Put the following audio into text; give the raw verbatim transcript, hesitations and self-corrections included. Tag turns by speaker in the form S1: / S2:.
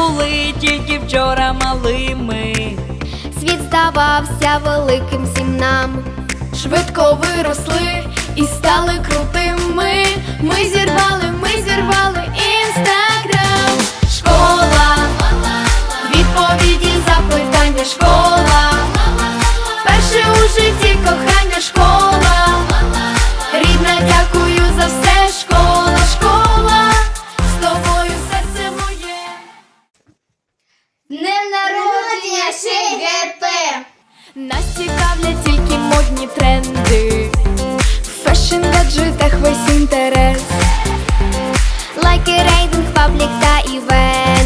S1: були тільки вчора малими.
S2: Світ здавався великим всім нам.
S3: Швидко виросли і стали крутими. Ми зірвали, ми зірвали інстаграм. Школа, відповіді, запитання, школа, перше у житті кохання, школа, рідна, дякую за все, школа, школа, з тобою серце моє.
S2: Днем народження ШГП!
S3: Нас цікавлять тільки модні тренди, в фешн-гаджетах весь інтерес.
S2: Лайки, рейтинг, паблік та івент.